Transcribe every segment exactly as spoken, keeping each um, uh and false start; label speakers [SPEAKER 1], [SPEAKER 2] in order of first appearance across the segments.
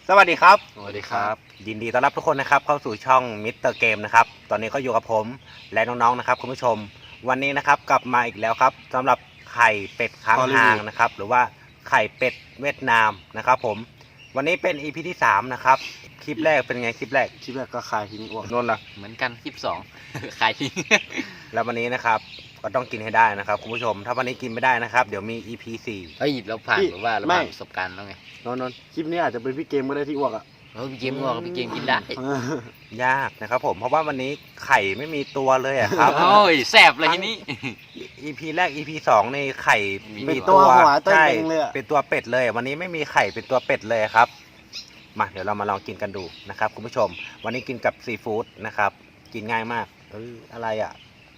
[SPEAKER 1] สวัสดีครับ
[SPEAKER 2] สวัสดีครับ
[SPEAKER 1] ยินดีต้อนรับทุกคนนะครับเข้าสู่ช่องมิสเตอร์เกมนะครับตอนนี้ก็อยู่กับผมและน้องๆนะครับคุณผู้ชมวันนี้นะครับกลับมาอีกแล้วครับสำหรับไข่เป็ดค้างคางนะครับหรือว่าไข่เป็ดเวียดนามนะครับผมวันนี้เป็น อี พี ที่สามนะครับคลิปแรกเป็นไงคลิปแรก
[SPEAKER 2] คลิปแรกก็คายทิ้งอ้วก
[SPEAKER 1] นนท์ล่ะ
[SPEAKER 3] เหมือนกันคลิปสอง ขายทิ้ง
[SPEAKER 1] แล้ววันนี้นะครับก็ต้องกินให้ได้นะครับคุณผู้ชมถ้าวันนี้กินไม่ได้นะครับเดี๋ยวมี อี พี สี่
[SPEAKER 3] เฮ้ยเราผ่านหรือว่าเราผ่านประสบการณ์แล้วไง
[SPEAKER 2] นนนคลิปนี้อาจจะเป็นพี่เกมก็ได้ที่อ้วกอ่ะ
[SPEAKER 3] เออพี่เกมก็พี่เกมกินได้
[SPEAKER 1] ยากนะครับผมเพราะว่าวันนี้ไข่ไม่มีตัวเลยอะครับ
[SPEAKER 3] โอ้ยแสบเลยทีนี้
[SPEAKER 1] อี พี แรก อี พี สองในไข่
[SPEAKER 2] เป็นตัวหัวตัว
[SPEAKER 1] ใช่
[SPEAKER 2] เองเลยอะ
[SPEAKER 1] เป็นตัวเป็ดเลยวันนี้ไม่มีไข่เป็นตัวเป็ดเลยครับมาเดี๋ยวเรามาลองกินกันดูนะครับคุณผู้ชมวันนี้กินกับซีฟู้ดนะครับกินง่ายมากเอออะไรอ่ะ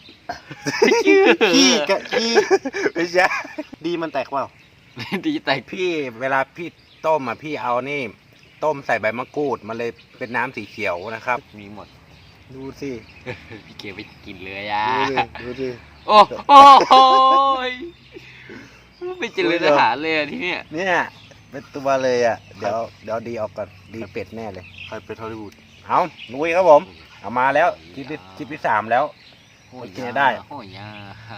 [SPEAKER 2] ขี้กะขี้
[SPEAKER 1] ไม่ใช่
[SPEAKER 2] ดีมันแตกเปล่า
[SPEAKER 3] ดีแต่
[SPEAKER 1] พี่เวลาพี่ต้มอ่ะพี่เอานี่ต้มใส่ใบมะกรูดมันเลยเป็นน้ำสีเขียวนะครับ
[SPEAKER 3] มีหมด
[SPEAKER 1] ดูสิ
[SPEAKER 3] พี่เกมไปกินเลยอ่ะ
[SPEAKER 1] ดูสิดูสิ
[SPEAKER 3] โอ้โอ้โหยไม่เจริญอาหารเลยอะที่เนี้ย
[SPEAKER 1] เนี่ยเป็นตัวเลยอ่ะเดี๋ยวเดี๋ยวดีออกก่อนดีเป็ดแน่เลย
[SPEAKER 2] ใครเป็นฮอลลีวูด
[SPEAKER 1] เอาลุยครับผมเอามาแล้วคลิปที่คลิปที่สามแล้ว
[SPEAKER 3] โอ้ย
[SPEAKER 1] กินได้
[SPEAKER 3] โอ้ยยา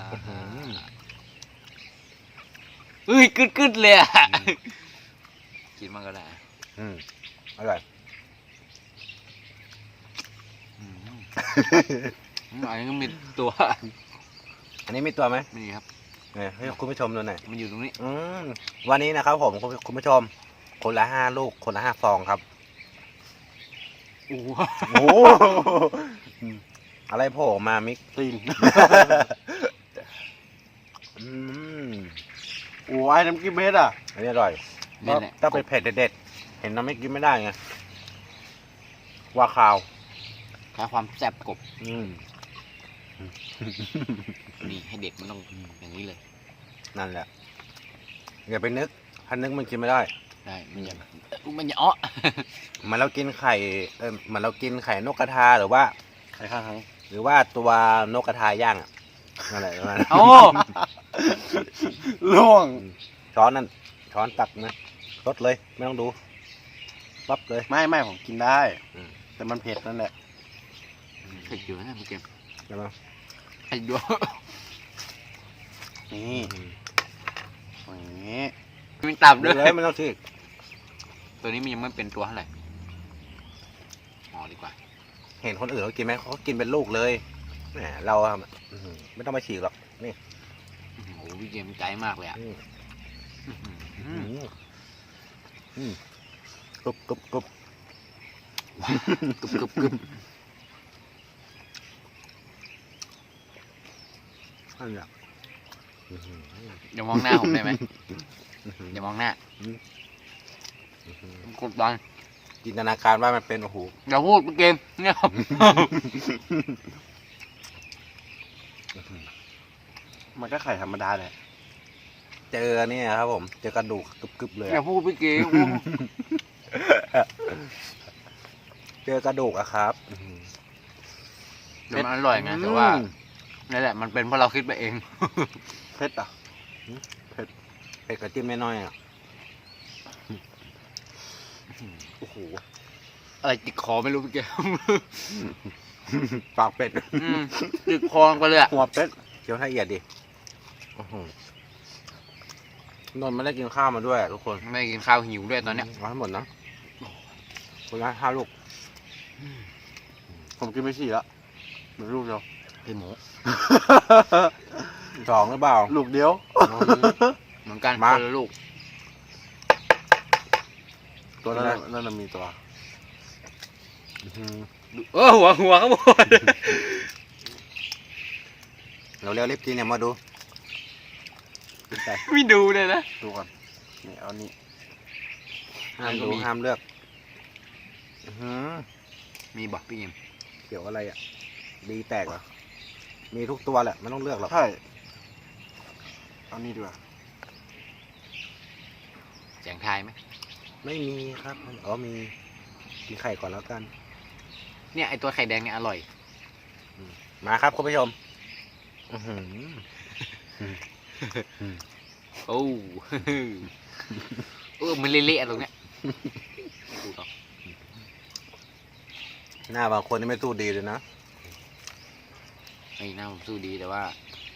[SPEAKER 3] เฮ้ยกึดกึดเลยอ่ะกินมันก็ได้
[SPEAKER 1] อืมอร่อย
[SPEAKER 3] อืมอันนี้ก็มีตัว
[SPEAKER 1] อันนี้มีตัวไหม
[SPEAKER 3] นี่ครับ
[SPEAKER 1] เนี่ยให้คุณผู้ชมดูหน่อย
[SPEAKER 3] มันอยู่ตรงนี้
[SPEAKER 1] อืมวันนี้นะครับผมคุณคุณผู้ชม คนละห้าลูกคนละห้าฟองครับ
[SPEAKER 3] โอ้โห
[SPEAKER 1] โอ้อะไรโผล่ออกมามิก
[SPEAKER 2] ตีน
[SPEAKER 1] อืม
[SPEAKER 2] โอ้ยน้ำกิ้มเบสอ่ะ
[SPEAKER 1] อันนี้อร่อย
[SPEAKER 3] นี่แหละ
[SPEAKER 1] ถ้าเป็นเผ็ดเด็ดๆเห็นน้ำไม่กินไม่ได้ไงว่าขาว
[SPEAKER 3] แค่ความแซ่บกบ
[SPEAKER 1] อืม
[SPEAKER 3] นี่ให้เด็กมันต้องอย่างนี้เลย
[SPEAKER 1] นั่นแหละอย่าไปนึกถ้านึกมันกินไม่ได้
[SPEAKER 3] ได้มันจะมันจะอ้อ
[SPEAKER 1] เหมือนเรากินไข่เออเหมือนเรากินไข่นกกระทาหรือว่า
[SPEAKER 2] ใครข้างทั้ง
[SPEAKER 1] หรือว่าตัวนกกระทาย่างอ่ะนั่นแหละประมาณนั้น
[SPEAKER 3] โอ้
[SPEAKER 2] ล่วง
[SPEAKER 1] ช้อนนั่นช้อนตักนะรดเลยไม่ต้องดูปั๊บเลย
[SPEAKER 2] ไม่ไม่ผมกินได้
[SPEAKER 1] อืม
[SPEAKER 2] แต่มันเผ็ดนั่นแหละ
[SPEAKER 3] เผ็ดอยู่นะพี่เกม
[SPEAKER 1] ใช่ไหม
[SPEAKER 3] เผ็ดอยู่
[SPEAKER 2] นี่อย่างนี้
[SPEAKER 3] มีตับ
[SPEAKER 1] ดู
[SPEAKER 3] ด้วย
[SPEAKER 1] เลยไม่ต้องฉีก
[SPEAKER 3] ตัวนี้มันยังไม่เป็นตัวเท่าไหร่อ๋อดีกว่า
[SPEAKER 1] เห็นคนอื่นเขากินไหมเขากินเป็นลูกเลยแหมเราอะอื้อหือไม่ต้องมาฉีกหรอกนี่
[SPEAKER 3] โอ้โหพี่เกมใจมากเลยอ่ะ
[SPEAKER 1] อืม
[SPEAKER 3] อืม
[SPEAKER 1] อืมอืมกรุบกรุบกรุบ
[SPEAKER 3] กรึบกรึบกรึบ
[SPEAKER 1] นั่นแหละอื้อหือ
[SPEAKER 3] อย่ามองหน้าผมได้ไหม
[SPEAKER 1] อื้อหือ
[SPEAKER 3] อย่ามองหน้า
[SPEAKER 1] อื้อหือก
[SPEAKER 3] ดดัน
[SPEAKER 1] จินตนาการว่ามันเป็นโอ้โห
[SPEAKER 3] อย่าพูดพี่เกมเนี่ยครับ
[SPEAKER 2] มันก็ไข่ธรรมดาแหละ
[SPEAKER 1] เจอเนี่ยครับผมเจอกระดูกกรึบๆเลย
[SPEAKER 3] อย่า
[SPEAKER 1] อะ
[SPEAKER 3] พูดพี่เกม
[SPEAKER 1] เจอกระดูกอะครับอื้อหือ
[SPEAKER 3] เดี๋ยวมันอร่อยไงแต่ว่านี่นแหละมันเป็นเพราะเราคิดไปเอง
[SPEAKER 2] เผ็ดอ่ะ
[SPEAKER 1] เผ็ดกระจิ้มน้อยๆอะ
[SPEAKER 2] โอ้โห
[SPEAKER 3] อะไรติดคอไม่รู้พี่เกม
[SPEAKER 1] ปากเป็ด
[SPEAKER 3] อืมติดคอไปเลยอ่ะ
[SPEAKER 2] หัวเป็ด
[SPEAKER 1] เคี้ยวละเอียดดิอื้อหือนนท์ไม่ได้กินข้าวมาด้วยอะทุกคน
[SPEAKER 3] ไม่กินข้าวหิวด้วยตอนเนี้ย
[SPEAKER 1] เอาให้หมดนะคนละห้าลูก
[SPEAKER 2] ผมกินไปสี่แล้วเหลือลูกเดียว
[SPEAKER 3] ไอ้หมู
[SPEAKER 1] สองหรือเปล่า
[SPEAKER 2] ลูกเดียว
[SPEAKER 3] เหมือนกัน
[SPEAKER 1] มา
[SPEAKER 3] คนละลูก
[SPEAKER 2] ตัวนั้นน่ะนั่นน่ะมีตัว
[SPEAKER 1] อื้อหือ
[SPEAKER 3] เออหัวหัวครับผม
[SPEAKER 1] เราเร็วรีบกินเนี่ยมาดูไป
[SPEAKER 3] ไม่ดูเลยนะ
[SPEAKER 2] ดูก่อนนี่เอานี่
[SPEAKER 1] ห้ามดูห้ามเลือกอื้อหือ
[SPEAKER 3] มีบอกพี่เกม
[SPEAKER 1] เขียวอะไรอ่ะดีแตกเหรอมีทุกตัวแหละไม่ต้องเลือกหรอก
[SPEAKER 2] ใช่เอานี่ดีกว่า
[SPEAKER 3] แสงทายไหม
[SPEAKER 1] ไม่มีครับอ๋อมีกินไข่ก่อนแล้วกัน
[SPEAKER 3] เนี่ยไอตัวไข่แดงเนี่ยอร่อย
[SPEAKER 1] มาครับคุณผู้ชมอื้อหือ
[SPEAKER 3] โอ้ เออมันเละๆตรงเนี้ยดูต่อ
[SPEAKER 1] หน้าบางคนนี่ไม่สู้ดีเลยนะ
[SPEAKER 3] ไอ้หน้าผมสู้ดีแต่ว่า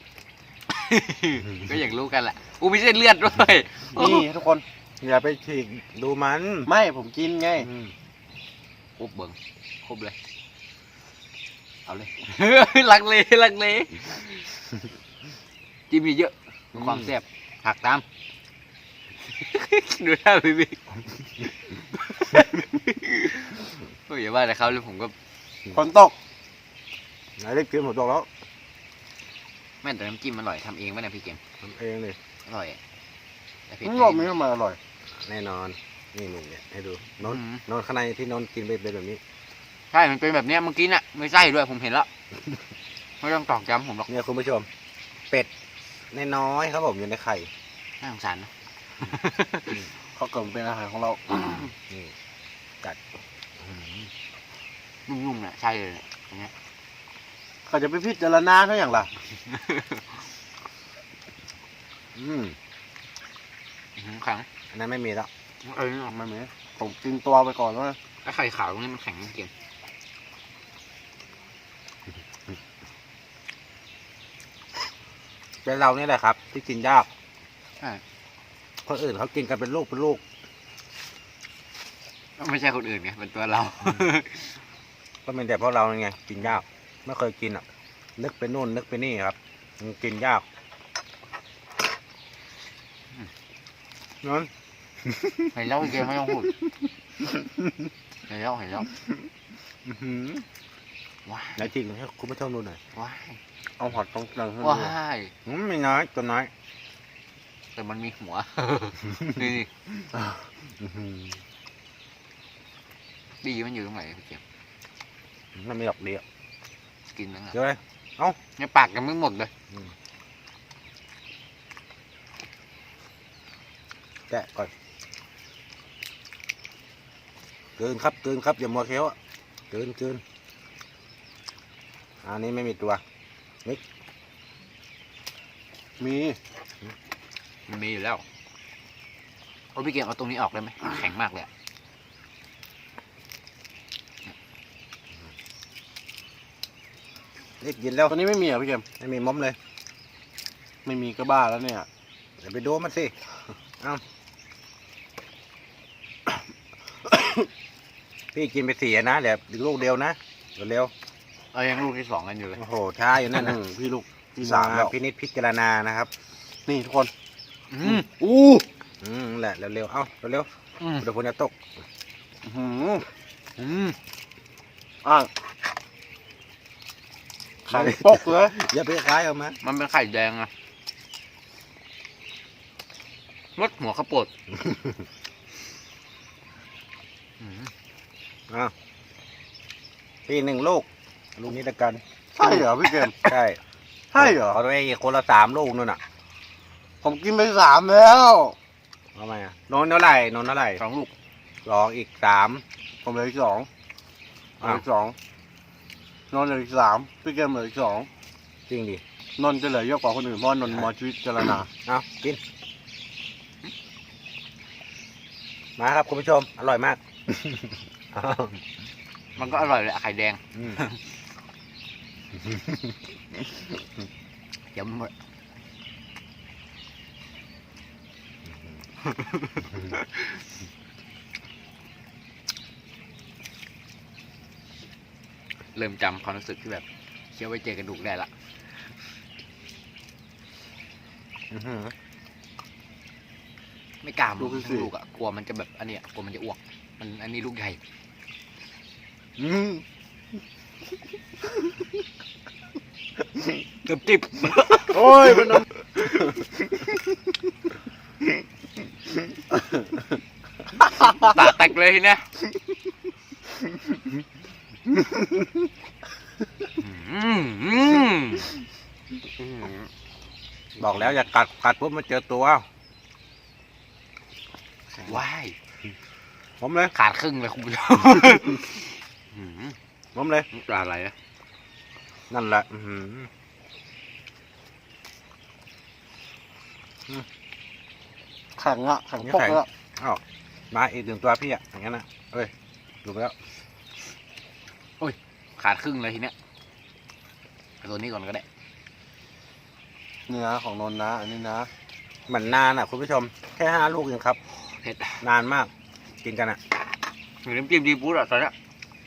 [SPEAKER 3] ก็อยากรู้กันแหละอูมีเส้นเลือดด้วย
[SPEAKER 2] นี่ทุกคน
[SPEAKER 1] อย่าไปฉีกดูมัน
[SPEAKER 2] ไม่ผมกินไง
[SPEAKER 1] อืม
[SPEAKER 3] ครบเบิ่งครบเลย เอาเลย ลักเลลักเลจิ้มเยอะๆความแซ่บหักตาม ดูหน้าพี่บิ๊กโอ้ยอย่าว่าแต่เขาเลยผมก็
[SPEAKER 2] ฝนตก
[SPEAKER 1] ไหนได้กินหมดตัวแล้ว
[SPEAKER 3] แม่นแต่น้ำจิ้มอร่อยทำเองไหมนะพี่เกม
[SPEAKER 1] ทำเองเลย
[SPEAKER 3] อร่อยอะแต่เผ็ด
[SPEAKER 2] นี่รอบนี้ทำไมอร่อย
[SPEAKER 1] แน่นอนนี่นี่เนี่ยให้ดูนน
[SPEAKER 3] อืม
[SPEAKER 1] นนข้างในที่นนกินเป็นแบบนี้
[SPEAKER 3] ใช่มันเป็นแบบเนี้ยเมื่อกี้น่ะไม่ใช่ด้วยผมเห็นแล้วไม่ต้องตอกย้ำผมหรอก
[SPEAKER 1] เนี่ยคุณผู้ชม เป็ดน้อยๆครับผมอยู่ในไข่
[SPEAKER 3] น่าสงสารนะ
[SPEAKER 2] เขาเกิดเป็นอาหารของเรา
[SPEAKER 1] นี่กัด
[SPEAKER 3] นุ่มๆน่ะใช่เลยเนี่ยอันเนี้ย
[SPEAKER 2] เขาจะไปพิจารณาเท่าอย่างล่ะ
[SPEAKER 1] อืม
[SPEAKER 3] อื้อหือแข็ง
[SPEAKER 1] อันนั้นไม่มีแล้ว
[SPEAKER 3] เอ้ย
[SPEAKER 2] ไม่มีผมกินตัวไปก่อนว่า
[SPEAKER 3] ไอ้ไข่ขาวตรงนี้มันแข็งจริง
[SPEAKER 1] เป็นเรานี่แหละครับ ที่กินยาก
[SPEAKER 3] ๆใช่
[SPEAKER 1] คนอื่นเขากินกันเป็นลูกเป็นลูก
[SPEAKER 3] ไม่ใช่คนอื่นไงเป็นตัวเรา
[SPEAKER 1] ก็เป็นแต่เพราะเราไงกินยากไม่เคยกินอ่ะ นึกไปนู่นนึกไปนี่ครับมันกินยากนน
[SPEAKER 3] เห็นแล้วพี่เกมไม่ต้องพูดเห็นแล้วเห็นแล้ว
[SPEAKER 1] อื้อหือ
[SPEAKER 3] ว้าย
[SPEAKER 1] ไหนจริงให้คุณผู้ชมดูหน่อย
[SPEAKER 3] ว้าย
[SPEAKER 2] เอาหอดตรงกลางขึ้น
[SPEAKER 3] ว้
[SPEAKER 2] มา
[SPEAKER 3] าย
[SPEAKER 1] อืมไม่น้อยตัวน้อย
[SPEAKER 3] แต่มันมีหัว นี่
[SPEAKER 1] อื้อหือ
[SPEAKER 3] ดีมันอยู่ตรงไหนพี่เกม
[SPEAKER 1] มันไม่หลอกเดียว
[SPEAKER 3] กินนั่นแหละ
[SPEAKER 1] เดี๋ยวเลย
[SPEAKER 3] ในปากยังไม่หมดเลย
[SPEAKER 1] แกะก่อนเกินครับเกินครับอย่ามัวเคี้ยวอะเกินเกินอันนี้ไม่มีตัว
[SPEAKER 2] มี
[SPEAKER 3] มันมีอยู่แล้วโอ้พี่เกมเอาตรงนี้ออกได้ไหมแข็งมากเลยอะ
[SPEAKER 1] นี่กินแล้ว
[SPEAKER 2] ตัวนี้ไม่มีเหรอพี่เกม
[SPEAKER 1] ไม่มีม้อมเลย
[SPEAKER 2] ไม่มีก็บ้าแล้วเนี่ย
[SPEAKER 1] เดี๋ยวไปดูมันสิเอ้า พี่กินไปสี่อะนะเดี๋ยวอีกลูกเดียวนะเร็ว
[SPEAKER 3] เอายังลูกที่สองกันอยู่เลย
[SPEAKER 1] ๆโอ้โหช้าอยู่นั่นนะ
[SPEAKER 2] อืมพี่ลูกที่สามแล้ว
[SPEAKER 1] พินิจพิจารณานะครับ
[SPEAKER 2] นี่ทุกคน
[SPEAKER 3] อืม
[SPEAKER 2] อู้
[SPEAKER 1] อืมนั่นแหละเร็วๆเอ้าเร็ว
[SPEAKER 3] อืม
[SPEAKER 1] ๆเดี๋ยวฝนจะตก
[SPEAKER 2] อื้อหือ
[SPEAKER 3] อืม
[SPEAKER 2] อ่ะไข่ปกเลย
[SPEAKER 1] อย่าไปคล้ายออกมา
[SPEAKER 3] มันเป็นไข่แดงอะรสหัวข้าวโพดอืม
[SPEAKER 1] อ้าวพี่หนึ่งลูกลูกนี้ละกัน
[SPEAKER 2] ใช่เหรอพี่เกม
[SPEAKER 1] ใช่
[SPEAKER 2] ใช่เหรอ
[SPEAKER 1] เอาไปอีกคนละสามลูกนู่นน่ะ
[SPEAKER 2] ผมกินไปสามแล้ว
[SPEAKER 1] เอาไหมอ่ะนนท์เท่าไหร่นนท์เท่าไหร่
[SPEAKER 3] สองลูก
[SPEAKER 1] สองอีกสาม
[SPEAKER 2] ผมเหลืออีกสองเหลื
[SPEAKER 1] อ้า
[SPEAKER 2] อ
[SPEAKER 1] ว
[SPEAKER 2] อีกสองนนท์เหลืออีกสามพี่เกมเหลืออีกสอง
[SPEAKER 1] จริงดิ
[SPEAKER 2] นนท์จะเหลือเยอะกว่าคนอื่นเพราะว่านนท์มอชีวิตเจรณา
[SPEAKER 1] เอากิน มาครับคุณผู้ชม อร่อยมาก
[SPEAKER 3] มันก็อร่อยเลยอะไข่แดง
[SPEAKER 1] อืม
[SPEAKER 3] เดี๋ยวมันหมดเริ่มจำความรู้สึกที่แบบเคี้ยวไปเจอกระดูกได้ละ
[SPEAKER 1] อื้อหือ
[SPEAKER 3] ไม่กล้ามันทั้งลูกอะกลัวมันจะแบบอันเนี้ยกลัวมันจะอ้วก มันอันนี้ลูกใหญ่
[SPEAKER 1] อืม
[SPEAKER 3] เกือบจิบ
[SPEAKER 2] โอ้ยมันนนท์
[SPEAKER 3] ตาแตกเลยทีเนี้ยอืมอืม
[SPEAKER 1] บอกแล้วอย่ากัดกัดปุ๊บมันเจอตัว
[SPEAKER 3] ว้าย
[SPEAKER 1] ผมเลย
[SPEAKER 3] ขาดครึ่งเลยคุณผู้ชมอืม
[SPEAKER 1] ผมเลย
[SPEAKER 3] ปลาอะไรอะ
[SPEAKER 1] นั่นแหละอื้อหือ
[SPEAKER 2] แข็งอะแข็งปกแล้ว
[SPEAKER 1] อ้าวมาอีกหนึ่งตัวพี่อ่ะอย่างนั้นนะเอ้ยดูไปแล้ว
[SPEAKER 3] ขาดครึ่งเลยทีเนี้ยเอาตัวนี้ก่อนก็ได้
[SPEAKER 2] นี่นะของนนท์นะ อันนี้นะ
[SPEAKER 1] เหมือนนานอ่ะคุณผู้ชมแค่ห้าลูกเองครับ
[SPEAKER 3] เผ็ด
[SPEAKER 1] นานมากกินกันอ่ะ
[SPEAKER 3] เหมือนน้ำจิ้มซีฟู้ดอ่ะตอนเนี้ย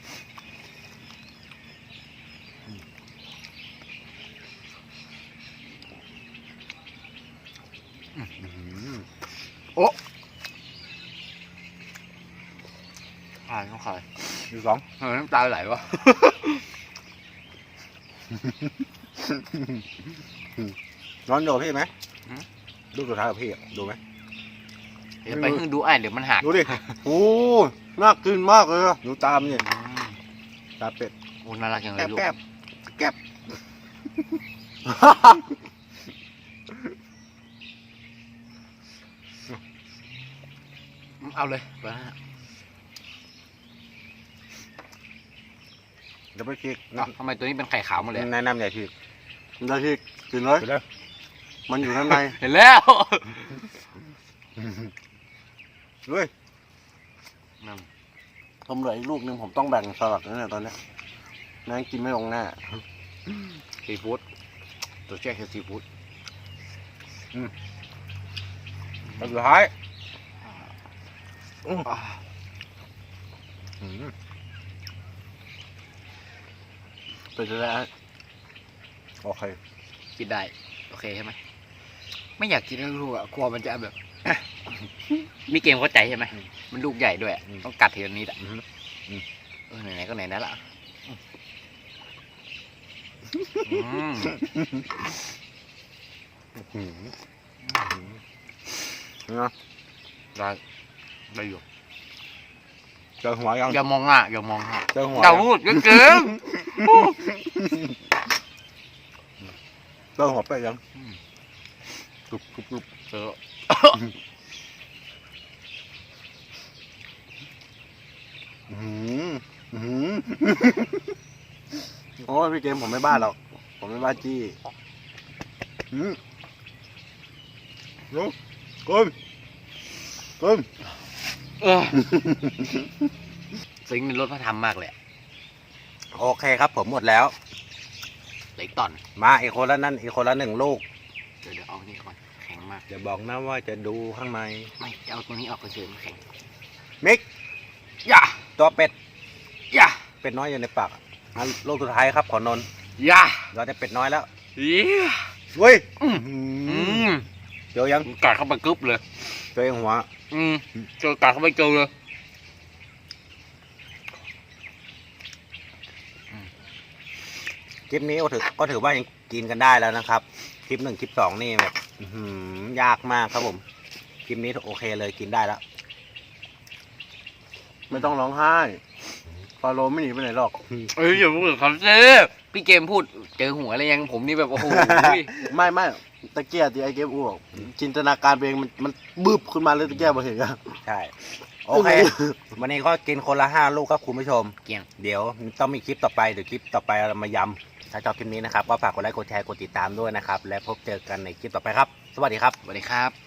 [SPEAKER 3] โอ้ขายต้องขาย
[SPEAKER 1] ดูสอง
[SPEAKER 3] เออน้ำตาไหลวะ
[SPEAKER 1] นอนดูกับพี่ไหมลูกสุดท้ายกับพี่อะดูไหม
[SPEAKER 3] เดี๋ยวไปขึ้นดูไอ้เดี๋ยวมันหัก
[SPEAKER 2] ดูดิ โอ้น่ากินมากเลยอะ
[SPEAKER 1] ดูตามเนี่ย
[SPEAKER 3] อืม
[SPEAKER 1] ตาเป็ด
[SPEAKER 3] โอ้น่ารักจังเล
[SPEAKER 1] แก
[SPEAKER 3] ย
[SPEAKER 1] บ
[SPEAKER 3] ลูก
[SPEAKER 1] แกบแกบ
[SPEAKER 3] เอาเลยไปนะ
[SPEAKER 1] เดี๋ยวไปคิก
[SPEAKER 3] เอ้าทำไมตัวนี้เป็นไข่ขาวหมดเลยอะ
[SPEAKER 1] แนะนำใหญ่พี่
[SPEAKER 2] ได้ที่กินเลย
[SPEAKER 1] ไปเลย
[SPEAKER 2] มันอยู่ด้านใน
[SPEAKER 3] เห็นแล้ว
[SPEAKER 1] ด้วย
[SPEAKER 2] ผมเหลืออีกลูกหนึงผมต้องแบ่งสลัดนั่นแหละตอนเนี้ยแม่งกินไม่ลงแน่
[SPEAKER 3] ซีฟู้ดตัวแช่คือซีฟู้ด
[SPEAKER 1] แล้วสุดท้าย
[SPEAKER 3] อ่า
[SPEAKER 1] อืม
[SPEAKER 2] เป็นจะได้
[SPEAKER 1] โอเค
[SPEAKER 3] กินได้โอเคใช่ไหมไม่อยากกินลูกอ่ะกลัวมันจะแบบ มีเกมเข้าใจใช่ไหมมันลูกใหญ่ด้วยอะต้องกัดทีละนิดอ่ะ
[SPEAKER 1] อืม
[SPEAKER 3] เออไหนๆก็ไหนนั่นละอืม
[SPEAKER 1] อืมนะ
[SPEAKER 3] ได้ได้อยู่
[SPEAKER 1] เจอหัวยัง
[SPEAKER 3] อย่ามองอ่ะอย่ามองอ่ะ
[SPEAKER 1] เจอหัว
[SPEAKER 3] อย่า
[SPEAKER 1] ยัง
[SPEAKER 3] พูดเกิน
[SPEAKER 1] เจอหัวเป็ดยังกรุบกรุบกรุบ
[SPEAKER 3] เออ
[SPEAKER 1] อืมอืม
[SPEAKER 2] โอ้ยพี่เกมผมไม่บ้าหรอก ผมไม่บ้าจี้
[SPEAKER 1] อืมรู้ก้มก้ม
[SPEAKER 3] เออซิงค์ในรถพระธรรมมากเลยอะ
[SPEAKER 1] โอเคครับผมหมดแล้ว
[SPEAKER 3] เหล็กตอน
[SPEAKER 1] มาอีกคนละนั่นอีกคนละหนึ่งลูก
[SPEAKER 3] เดี๋ยวเดี๋ยวเอานี่ก่อนแข็งมาก
[SPEAKER 1] จะบอกนะว่าจะดูข้างใน
[SPEAKER 3] ไม่จะเอาตัวนี้ออกเฉยๆมันแข็ง
[SPEAKER 1] มิก
[SPEAKER 3] อย่า
[SPEAKER 1] ตัวเป็ด
[SPEAKER 3] อย่า
[SPEAKER 1] เป็ดน้อยอยู่ในปากอ่ะอ่ะลูกสุดท้ายครับขอนนท์
[SPEAKER 3] อย่า
[SPEAKER 1] เราได้เป็ดน้อยแล้ว
[SPEAKER 3] เหี้ย
[SPEAKER 1] เว้ย
[SPEAKER 3] อืม
[SPEAKER 1] อื
[SPEAKER 3] อื
[SPEAKER 1] ม
[SPEAKER 3] ม
[SPEAKER 1] เจอยัง
[SPEAKER 3] กัดเข้าไปกึ๊บเลย
[SPEAKER 1] เจอยังหัว
[SPEAKER 3] อืมเจอกัดเข้าไปเจอเลย
[SPEAKER 1] คลิปนี้ก็ถือก็ถือว่ายังกินกันได้แล้วนะครับ คลิปหนึ่งคลิปสองนี่แบบอื้อหือยากมากครับผม คลิปนี้โอเคเลยกินได้แล้ว
[SPEAKER 2] ไม่ต้องร้องไห้ฟาโรห์ไม่หนีไปไหนหรอก
[SPEAKER 3] เอ้ยอย่าพูดกับเขาสิพี่เกมพูดเจอหัวอะไรยังผมนี่แบบโอ้โห
[SPEAKER 2] ไม่ไม่ตะเกียบที่ไอเกมอ้วกจินตนาการไปเองมันมันบึบขึ้นมาเลยตะเกียบมาเห็นอะ
[SPEAKER 1] ใช่ โอเค วันนี้ก็กินคนละห้าลูกครับคุณผู้ชม
[SPEAKER 3] เกลียง
[SPEAKER 1] เดี๋ยวต้องมีคลิปต่อไปเดี๋ยวคลิปต่อไปเรามายำถ้าชอบคลิปนี้นะครับก็ฝากกดไลค์กดแชร์กดติดตามด้วยนะครับ และพบเจอกันในคลิปต่อไปครับ สวัสดีครับ
[SPEAKER 3] สวัสดีครับ